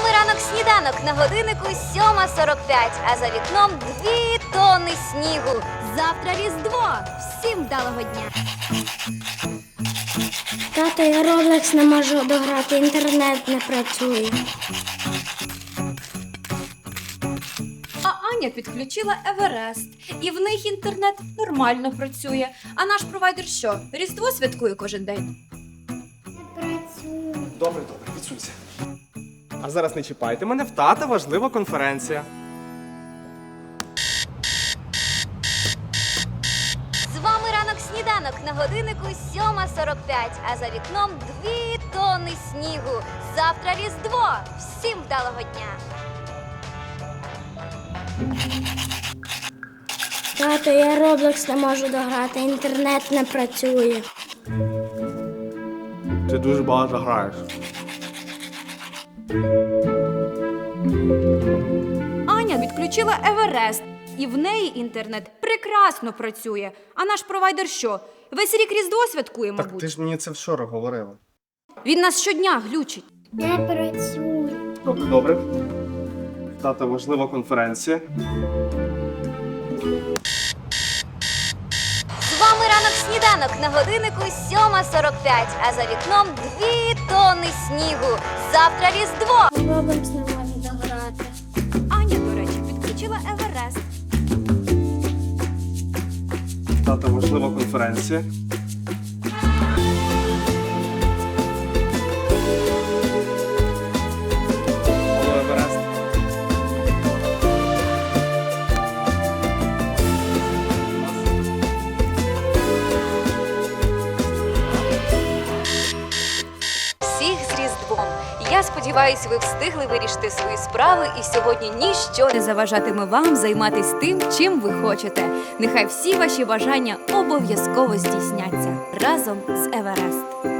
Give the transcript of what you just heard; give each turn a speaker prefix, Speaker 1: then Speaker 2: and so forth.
Speaker 1: вами ранок сніданок на годиннику 7:45, а за вікном 2 тонни снігу. Завтра Різдво. Всім вдалого дня.
Speaker 2: Тато, я Roblox не можу дограти, інтернет не працює.
Speaker 3: А Аня підключила Еверест, і в них інтернет нормально працює. А наш провайдер що, Різдво святкує кожен день?
Speaker 2: Не працює.
Speaker 4: Добре, відсунься. А зараз не чіпайте мене, в тата важлива конференція.
Speaker 1: З вами ранок сніданок на годиннику 7:45, а за вікном 2 тонни снігу. Завтра Різдво. Всім вдалого дня.
Speaker 2: Тато, я Roblox не можу дограти, інтернет не працює.
Speaker 4: Ти дуже багато граєш.
Speaker 3: Аня відключила Еверест, і в неї інтернет прекрасно працює. А наш провайдер що, весь рік Різдво святкує,
Speaker 4: Так
Speaker 3: мабуть?
Speaker 4: ти ж мені це вчора говорила.
Speaker 3: Він нас щодня глючить.
Speaker 2: Не працює.
Speaker 4: Добре. В тата важлива конференція.
Speaker 1: З вами ранок сніданок на годиннику 7:45, а за вікном 2 тонни снігу. Завтра Різдво.
Speaker 2: Roblox не можу дограти.
Speaker 3: Аня, до речі, підключила Еверест.
Speaker 4: В тата важлива конференція. Алло, Еверест.
Speaker 1: Всіх з Різдвом! Я сподіваюся, ви встигли вирішити свої справи, і сьогодні ніщо
Speaker 3: Не заважатиме вам займатися тим, чим ви хочете. Нехай всі ваші бажання обов'язково здійсняться разом з Еверест.